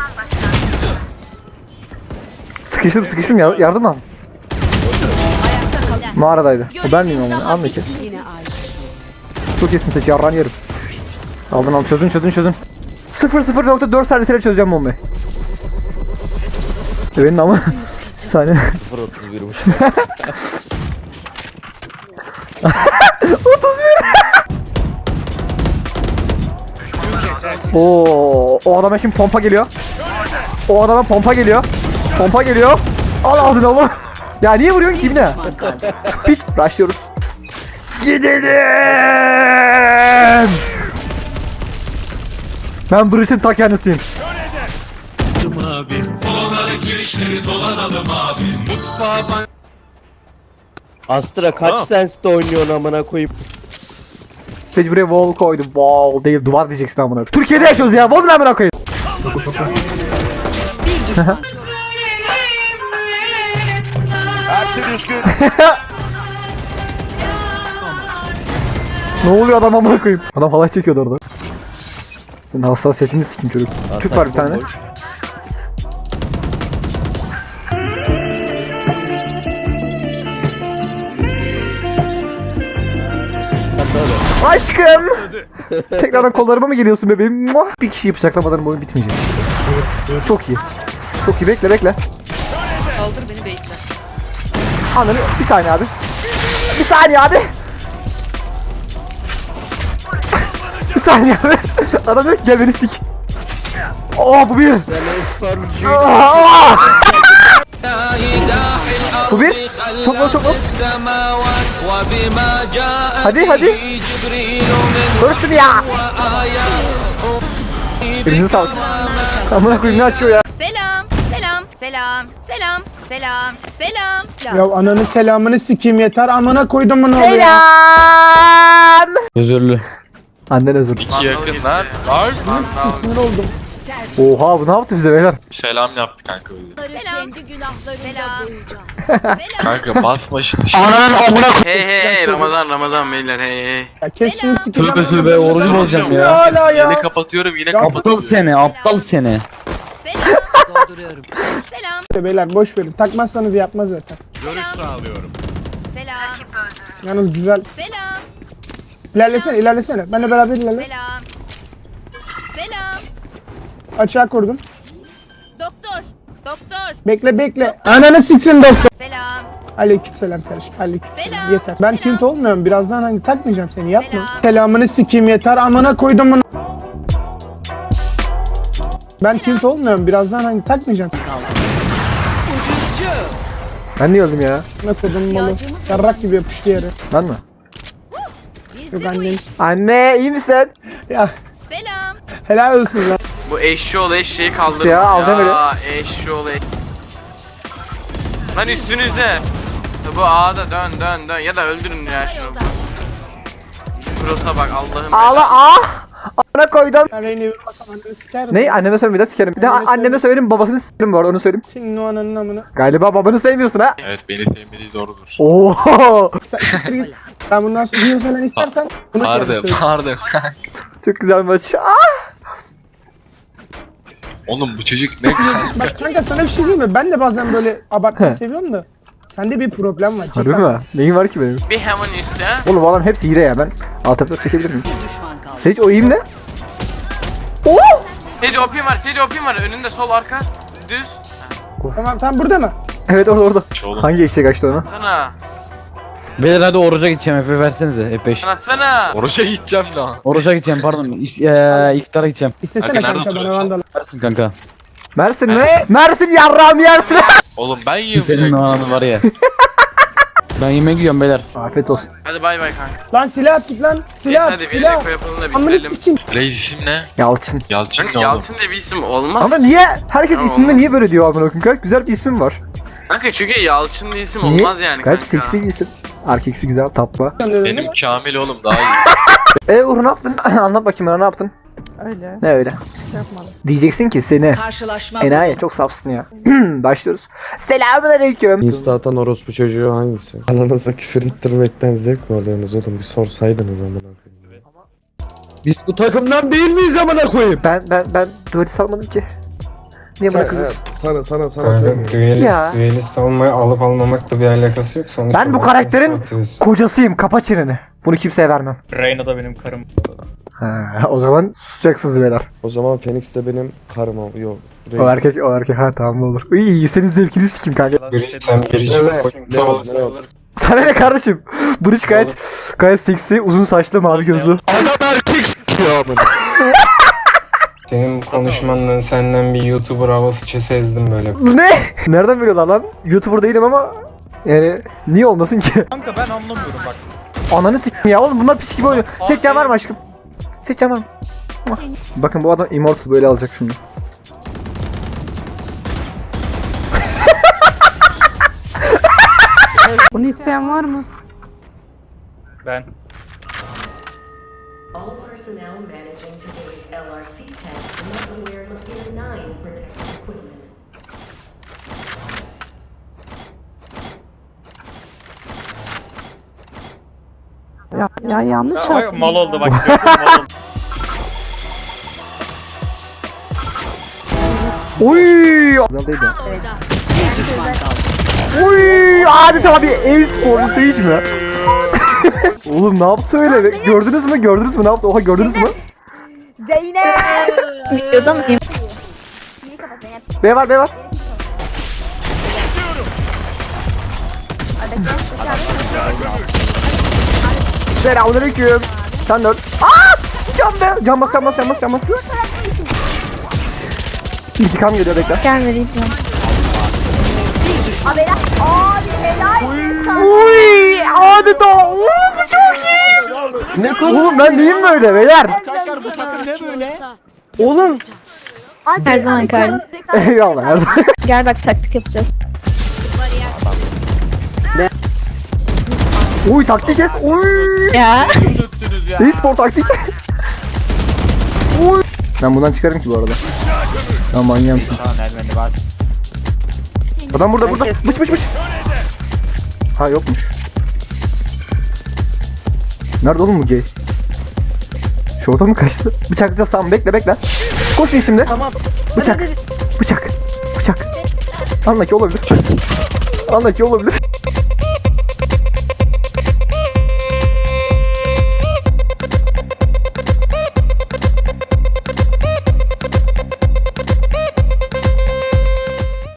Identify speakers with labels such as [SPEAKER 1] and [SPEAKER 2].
[SPEAKER 1] Sıkıştım yardım lazım. Mağaradaydı. O ben miyim onu? Anla ki. Çok iyisin seç yarran yerim. Aldın çözün. 0.4 saniyesiyle çözeceğim bombayı. Benim ama bir saniye.
[SPEAKER 2] 0.31'miş.
[SPEAKER 1] 31. O adama şimdi pompa geliyor. Pompa geliyor. Al ağzını oğlum. Ya niye vuruyorsun ki ne? Piç. Başlıyoruz. Gidelim. Ben Bruce'in ta kendisiyim.
[SPEAKER 2] Astra kaç senste oynuyorsun amına koyayım?
[SPEAKER 1] Stage buraya wall koydum. Wall değil duvar diyeceksin amına. Türkiye'de yaşıyoruz ya. Wall ne amına koyayım?
[SPEAKER 3] Her şey düzgün.
[SPEAKER 1] Ne oluyor adam amına koyayım? Adam halay çekiyordu orada. Senin hassasiyetini sikim çocuk. Tüp var bir tane.
[SPEAKER 2] Bomboş.
[SPEAKER 1] Aşkım. Tekrardan kollarıma mı geliyorsun bebeğim? Muah! Bir kişi bıçaklamadan bu oyun bitmeyecek. Çok iyi. Çok iyi bekle.
[SPEAKER 4] Kaldır beni bekle.
[SPEAKER 1] Anladın bir saniye abi. Bir saniye abi. Adam diyor ki gel beni sik. Bu bir. Bu bir. Çok low. Hadi. Dur şunu ya. Elinize sağlık. Amına koyayım ne açıyor ya.
[SPEAKER 4] Selam.
[SPEAKER 5] Ya ananın selamını sikeyim yeter amına koydum bunu oluyor.
[SPEAKER 1] Selam.
[SPEAKER 2] Özürlü.
[SPEAKER 1] Annen özür.
[SPEAKER 6] İki yakın lan. Var.
[SPEAKER 5] Sinir oldum.
[SPEAKER 1] Oha bu ne yaptı bize beyler?
[SPEAKER 6] Selam yaptı kanka öyle.
[SPEAKER 4] Kendi günahlarıyla boyayacağım.
[SPEAKER 6] Kanka basma şu
[SPEAKER 7] Hey Ramazan beyler hey.
[SPEAKER 5] Ya kes şunu sikeyim.
[SPEAKER 2] Tövbe orucu bozacağım ya.
[SPEAKER 5] Hala ya.
[SPEAKER 6] Yine kapatıyorum yine
[SPEAKER 2] Aptal
[SPEAKER 6] kapatıyorum.
[SPEAKER 2] seni, aptal seni.
[SPEAKER 4] Dolduruyorum. Selam.
[SPEAKER 5] Beyler boş verin. Takmazsanız yapmaz zaten.
[SPEAKER 4] Selam.
[SPEAKER 5] Yalnız güzel.
[SPEAKER 4] Selam.
[SPEAKER 5] İlerlesene. Benle beraber ilerle.
[SPEAKER 4] Selam.
[SPEAKER 5] Açığa kurdum.
[SPEAKER 4] Doktor.
[SPEAKER 5] Bekle. Ananı siksin doktor.
[SPEAKER 4] Selam.
[SPEAKER 5] Aleykümselam kardeşim. Aleykümselam.
[SPEAKER 4] Selam.
[SPEAKER 5] Yeter. Ben tilt olmuyorum. Birazdan hani takmayacağım seni. Yapma.
[SPEAKER 4] Selam.
[SPEAKER 5] Selamını sikeyim yeter. Amına koydum bunu. Ben tilt olmuyorum. Birazdan hani takmayacağım.
[SPEAKER 1] Ben niye öldüm ya?
[SPEAKER 5] Ne koydum malı. Yarrak gibi yapıştı yere.
[SPEAKER 1] Ben mi?
[SPEAKER 5] Yok annem.
[SPEAKER 1] Anne iyi misin?
[SPEAKER 5] Ya
[SPEAKER 4] Selam.
[SPEAKER 5] helal olsun lan.
[SPEAKER 7] Bu eşeği kaldırdım
[SPEAKER 1] Ya, alacağım öyle.
[SPEAKER 7] Eşşoğlu. Lan üstünüzde. Bu A'da dön ya da öldürün ya şunu. Cross'a bak Allah'ım.
[SPEAKER 1] Ağla Ana koydum.
[SPEAKER 5] Ben Reyne'yi vurmasam anneni sikerim.
[SPEAKER 1] Ne? Anneme söyleme bir de sikerim. Bir de anneme söylerim babasını sikerim bu arada onu söyleyeyim.
[SPEAKER 5] Senin o ananın amına.
[SPEAKER 1] Galiba babanı sevmiyorsun ha.
[SPEAKER 6] Evet beni sevmediği doğrudur.
[SPEAKER 1] Oo.
[SPEAKER 5] Sen siktir git. Ben bundan sonra heal falan istersen bunu
[SPEAKER 6] Pardon.
[SPEAKER 1] Çok güzel maç.
[SPEAKER 6] Oğlum bu çocuk ne?
[SPEAKER 5] Bak kanka sana bir şey diyeyim mi? Ben de bazen böyle abartmayı seviyorum da. Sende bir problem var.
[SPEAKER 1] Harbi mi? Neyin var ki benim?
[SPEAKER 7] Bir hemen üstte.
[SPEAKER 1] Oğlum bu adam hepsi hile ya ben. Alt F4 çekebilir miyim?
[SPEAKER 4] Düşman kaldı.
[SPEAKER 1] Sage o iyiyim ne? Oo!
[SPEAKER 7] Sage OP'm var. Önünde sol arka. Düz.
[SPEAKER 5] Tamam burada mı?
[SPEAKER 1] Evet orada.
[SPEAKER 6] Oğlum.
[SPEAKER 1] Hangi eşek açtı onu?
[SPEAKER 7] Sana.
[SPEAKER 2] Beyler hadi oruca gideceğim, Efe versenize, F5.
[SPEAKER 7] Sana.
[SPEAKER 6] Oruç'a gideceğim lan.
[SPEAKER 2] Oruca gideceğim pardon, iftara gideceğim.
[SPEAKER 5] İstesene
[SPEAKER 6] Kanka, nerede
[SPEAKER 5] kanka bana
[SPEAKER 6] oturuyorsun?
[SPEAKER 5] vandal.
[SPEAKER 2] Versin kanka.
[SPEAKER 1] Mersin mi? Mersin yarrağım yersin.
[SPEAKER 6] Oğlum ben yiyorum.
[SPEAKER 2] Senin o anı var ya. Ben yemek yiyorum beyler.
[SPEAKER 1] Afiyet olsun.
[SPEAKER 7] Hadi bay kanka.
[SPEAKER 5] Lan silah at git lan. Silah at
[SPEAKER 7] Hadi bir
[SPEAKER 5] silah.
[SPEAKER 7] eko yapalım da
[SPEAKER 5] Amını
[SPEAKER 7] bitirelim.
[SPEAKER 5] sikeyim.
[SPEAKER 6] Reis isim ne?
[SPEAKER 1] Yalçın.
[SPEAKER 6] Yalçın
[SPEAKER 7] Kanka
[SPEAKER 6] ne oğlum?
[SPEAKER 7] Yalçın diye bir isim olmaz.
[SPEAKER 1] Ama niye? Herkes
[SPEAKER 7] Tamam,
[SPEAKER 1] isminde
[SPEAKER 7] olmaz.
[SPEAKER 1] niye böyle diyor amına koyayım? Gayet güzel bir ismim var.
[SPEAKER 7] Kanka çünkü Yalçın diye isim
[SPEAKER 1] Niye?
[SPEAKER 7] olmaz yani
[SPEAKER 1] Gayet
[SPEAKER 7] kanka.
[SPEAKER 1] seksi bir isim. Erkeksi güzel tatlı.
[SPEAKER 6] Benim Kamil oğlum daha iyi.
[SPEAKER 1] Uğur ne yaptın? Anlat bakayım bana ne yaptın?
[SPEAKER 5] Öyle.
[SPEAKER 1] Ne öyle?
[SPEAKER 5] Yapmadım.
[SPEAKER 1] Diyeceksin ki seni.
[SPEAKER 4] Karşılaşma.
[SPEAKER 1] Enayi çok safsın ya. Başlıyoruz. Selamünaleyküm.
[SPEAKER 8] Insta atan orospu çocuğu hangisi? Ananıza küfür ettirmekten zevk mi alıyorsunuz oğlum? Bir sorsaydınız amına koyayım.
[SPEAKER 2] Biz bu takımdan değil miyiz amına koyayım?
[SPEAKER 1] Ben dueti salmadım ki. Niye bırakıyorsun?
[SPEAKER 8] Sana
[SPEAKER 9] Kanka
[SPEAKER 8] söyleyeyim.
[SPEAKER 1] Ya.
[SPEAKER 9] düelist olmayı alıp almamakla bir alakası yok. Sonuç
[SPEAKER 1] Ben bu
[SPEAKER 9] olarak
[SPEAKER 1] karakterin
[SPEAKER 9] satıyorsun.
[SPEAKER 1] kocasıyım. Kapa çeneni. Bunu kimseye vermem.
[SPEAKER 10] Reyna da benim karım.
[SPEAKER 1] Ha, o zaman susacaksınız beyler.
[SPEAKER 8] O zaman Phoenix de benim karım o. Yok.
[SPEAKER 1] O erkek ha tamam olur. İyi senin zevkini sikim kanka.
[SPEAKER 9] Biri sen biri
[SPEAKER 8] Evet.
[SPEAKER 1] Sana ne kardeşim? Bridge gayet seksi, uzun saçlı, mavi gözlü.
[SPEAKER 3] Adam erkek s***yor amına.
[SPEAKER 9] Senin konuşmandan senden bir YouTuber havası sezdim böyle.
[SPEAKER 1] Ne? Nereden biliyorlar lan? YouTuber değilim ama yani niye olmasın ki?
[SPEAKER 10] Kanka ben anlamıyorum bak.
[SPEAKER 1] Ananı s**tim ya oğlum bunlar piç gibi oynuyor. Seçeceğim var mı aşkım? Seçeceğim var mı? Bakın bu adam Immortal böyle alacak şimdi.
[SPEAKER 11] Bunu isteyen var mı?
[SPEAKER 10] Ben.
[SPEAKER 11] All personnel managing today's LRC test are not aware of the 9 protective equipment. Ya yanlış
[SPEAKER 10] Ya,
[SPEAKER 11] yaptım.
[SPEAKER 10] mal oldu bak. Mal oldu.
[SPEAKER 1] Oy! Oy! Adeta bir e-sporcu Sage mi? Oğlum ne yaptı öyle? Gördünüz mü? Gördünüz mü? Ne yaptı? Oha gördünüz mü?
[SPEAKER 4] Zeynep.
[SPEAKER 11] Videoda mıyım?
[SPEAKER 4] İyi kapat Zeynep.
[SPEAKER 1] B var B var. Selamünaleyküm. Sen de öl. Aaa! Can be! Can bas can bas can bas can bas. İntikam geliyor bekle.
[SPEAKER 11] Gelmedi canım.
[SPEAKER 4] Abi helal.
[SPEAKER 1] Uy! Adeta! Of çok iyi! Ne konu? Oğlum ben neyim böyle beyler?
[SPEAKER 10] Arkadaşlar bu takım ne böyle?
[SPEAKER 5] Oğlum.
[SPEAKER 11] Her zaman kardeşim.
[SPEAKER 1] Eyvallah her zaman.
[SPEAKER 11] Gel bak taktik yapacağız.
[SPEAKER 1] Uy taktik kes. Uy!
[SPEAKER 11] Ya.
[SPEAKER 1] E-spor taktik. Uy! Ben bundan çıkarım ki bu arada. Ya manyağımsın.
[SPEAKER 10] Tamam Ermeni bak.
[SPEAKER 1] Adam burada. Bıç. Ha yokmuş. Nerede oğlum bu gay? Şurada mı kaçtı? Bıçaklayacağız tamam bekle. Koşun şimdi.
[SPEAKER 5] Tamam.
[SPEAKER 1] Bıçak. Anla ki olabilir.